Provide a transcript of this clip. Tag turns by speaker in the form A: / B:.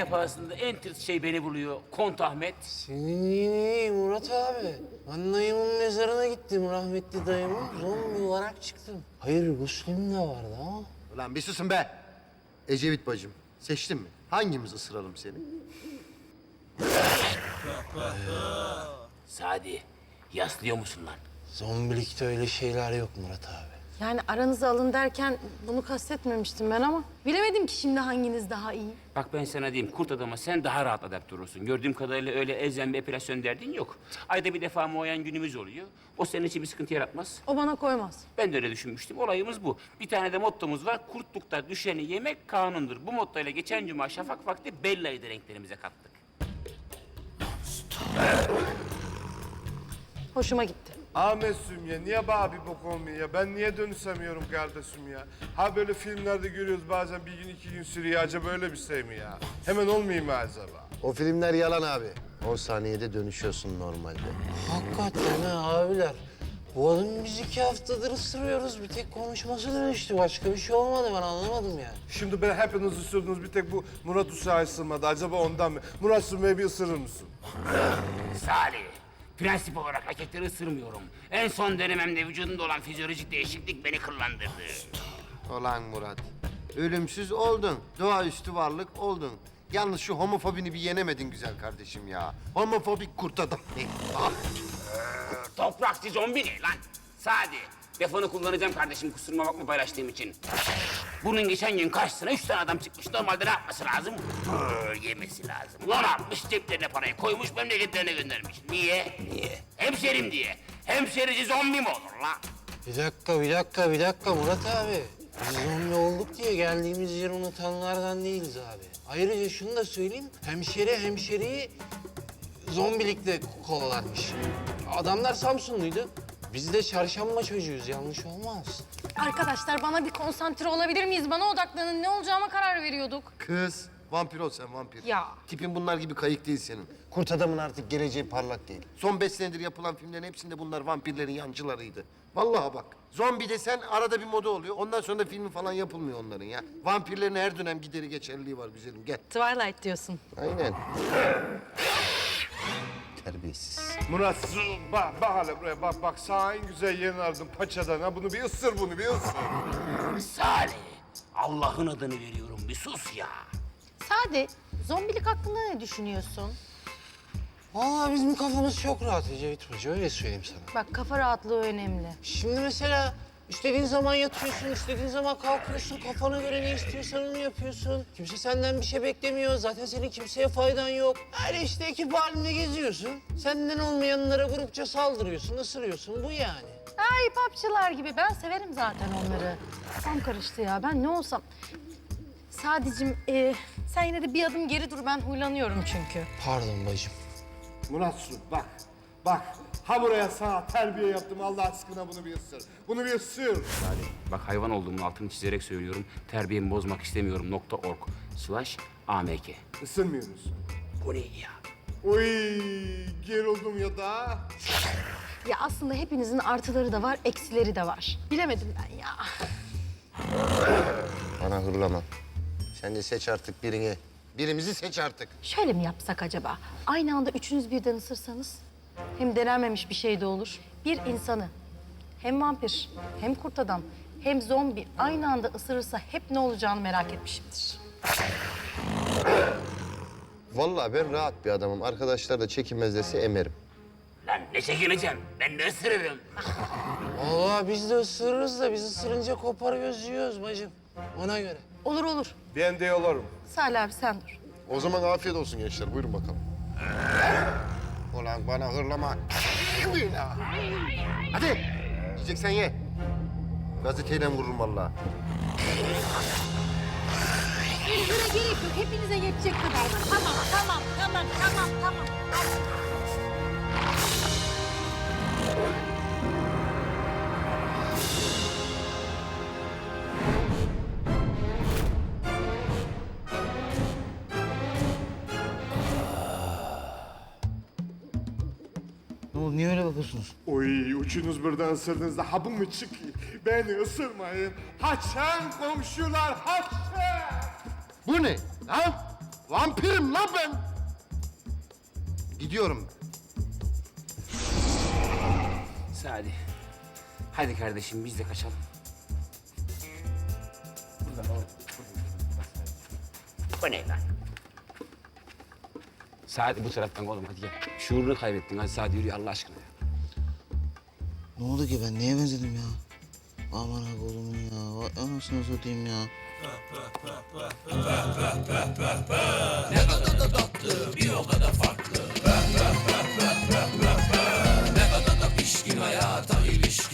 A: pahasında en tırt şey beni buluyor. Kont Ahmet.
B: Senin iyi Murat abi. Ben dayımın mezarına gittim, rahmetli dayımın. Zombi olarak çıktım. Hayır, Müslüm de vardı ama.
C: Ulan bir susun be. Ecevit bacım, seçtin mi? Hangimiz ısıralım seni?
A: Sadi, yaslıyor musun lan?
B: Zombilikte öyle şeyler yok Murat abi.
D: Yani aranıza alın derken bunu kastetmemiştim ben ama bilemedim ki şimdi hanginiz daha iyi.
A: Bak ben sana diyeyim, kurt adama sen daha rahat adapte olursun. Gördüğüm kadarıyla öyle elzem bir epilasyon derdin yok. Ayda bir defa muayen günümüz oluyor. O senin için bir sıkıntı yaratmaz.
D: O bana koymaz.
A: Ben de öyle düşünmüştüm. Olayımız bu. Bir tane de mottomuz var. Kurtlukta düşeni yemek kanundur. Bu mottoyla geçen cuma şafak vakti Bella'yı da renklerimize kattık.
D: Hoşuma gitti.
E: Ahmet'cim ya niye bana bir bok olmuyor ya? Ben niye dönüşemiyorum kardeşim ya? Ha böyle filmlerde görüyoruz bazen bir gün 2 gün sürüyor. Acaba böyle bir şey mi ya? Hemen olmayayım mı acaba?
C: O filmler yalan abi. 10 saniyede dönüşüyorsun normalde.
B: Hakikaten ha abiler. Bu adamı biz 2 haftadır ısırıyoruz. Bir tek konuşması dönüştü. Başka bir şey olmadı, ben anlamadım yani.
E: Şimdi ben hepiniz ısırdınız. Bir tek bu Murat Uşağı ısırmadı. Acaba ondan mı? Murat Sümeyye bir ısırır mısın?
A: Salih, prensip olarak erkekleri ısırmıyorum. En son denememde vücudumda olan fizyolojik değişiklik beni kıllandırdı.
C: Ulan Murat, ölümsüz oldun. Doğaüstü varlık oldun. Yalnız şu homofobini bir yenemedin güzel kardeşim ya. Homofobik kurt adam. Ah!
A: Toprakçı zombi ne lan? Sadi, defonu kullanacağım kardeşim, kusuruma bakma paylaştığım için. Bunun geçen gün karşısına 3 tane adam çıkmış. Normalde ne yapması lazım? Yemesi lazım. Ulan atmış ceplerine parayı koymuş, memleketlerine göndermiş. Niye? Niye? Hemşerim diye. Hemşerici zombi mi olur lan?
B: Bir dakika Murat abi. Biz zombi olduk diye geldiğimiz yeri unutanlardan değiliz abi. Ayrıca şunu da söyleyeyim, hemşeriyi zombilikle kovalarmış. Adamlar Samsunluydu. Biz de çarşamba çocuğuyuz, yanlış olmaz.
D: Arkadaşlar bana bir konsantre olabilir miyiz? Bana odaklanın. Ne olacağıma karar veriyorduk.
C: Kız, vampir ol sen vampir.
D: Ya.
C: Tipin bunlar gibi kayık değil senin. Kurt adamın artık geleceği parlak değil. Son 5 senedir yapılan filmlerin hepsinde bunlar vampirlerin yancılarıydı. Vallahi bak, zombi desen arada bir moda oluyor. Ondan sonra da filmi falan yapılmıyor onların ya. Vampirlerin her dönem gideri geçerliliği var güzelim, gel.
D: Twilight diyorsun.
C: Aynen. Terbiyesiz.
E: Murat bak hele buraya bak sağ en güzel yerini aradım paçadan ha. Bunu bir ısır bunu bir ısır.
A: Salih, Allah'ın adını veriyorum, bir sus ya.
D: Sadi, zombilik hakkında ne düşünüyorsun?
B: Vallahi bizim kafamız çok rahat Ecevit Hoca, öyle söyleyeyim sana.
D: Bak kafa rahatlığı önemli.
B: Şimdi mesela istediğin zaman yatıyorsun, istediğin zaman kalkıyorsun, kafana göre ne istiyorsan onu yapıyorsun. Kimse senden bir şey beklemiyor, zaten senin kimseye faydan yok. Öyle işte ekip halinde geziyorsun. Senden olmayanlara grupça saldırıyorsun, ısırıyorsun, bu yani.
D: Ay papçılar gibi. Ben severim zaten onları. Kafam karıştı ya. Ben ne olsam... Sadicim, sen yine de bir adım geri dur. Ben huylanıyorum çünkü.
B: Pardon bacım.
E: Murat bak. Ha buraya sana terbiye yaptım Allah aşkına bunu bir ısır. Bunu bir ısır.
A: Bak hayvan olduğumun altını çizerek söylüyorum. Terbiyemi bozmak istemiyorum. .org/amk.
E: Isırmıyor musun?
A: Bu ne ya?
E: Oy gerildim ya da.
D: Ya aslında hepinizin artıları da var, eksileri de var. Bilemedim ben ya.
C: Bana hırlama. Sen de seç artık birini. Birimizi seç artık.
D: Şöyle mi yapsak acaba? Aynı anda üçünüz birden ısırsanız. Hem denenmemiş bir şey de olur. Bir insanı hem vampir, hem kurt adam, hem zombi aynı anda ısırırsa hep ne olacağını merak etmişimdir.
C: Vallahi ben rahat bir adamım. Arkadaşlar da çekinmez dese emerim.
A: Lan ne çekineceğim? Ben de ısırırım.
B: Vallahi biz de ısırırız da biz ısırınca koparıyoruz, yiyoruz bacım. Ona göre.
D: Olur olur.
E: Ben de yolarım.
D: Salih abi sen dur.
F: O zaman afiyet olsun gençler. Buyurun bakalım.
C: Ulan bana hırlama. Hadi. Yiyeceksen ye. Gazeteyle vururum vallahi.
D: Üzüle gerek yok. Hepinize yetecek kadar. Tamam.
B: Ne oldu, niye öyle bakıyorsunuz?
E: Oy üçünüz birden ısırdığınızda ha bu mu çıkıyor? Beni ısırmayın. Haçan komşular haçan.
C: Bu ne? Lan? Vampirim lan ben. Gidiyorum.
A: Sadi. Hadi kardeşim biz de kaçalım. Bu ne lan? Sadi bu taraftan oğlum hadi gel. Şuurunu kaybettin hadi Sadi yürü Allah aşkına ya.
B: Ne oldu ki ben neye benzedim ya? Aman ha oğlum ya. Vay anasını satayım ya.
G: pişkin hayata ilişkin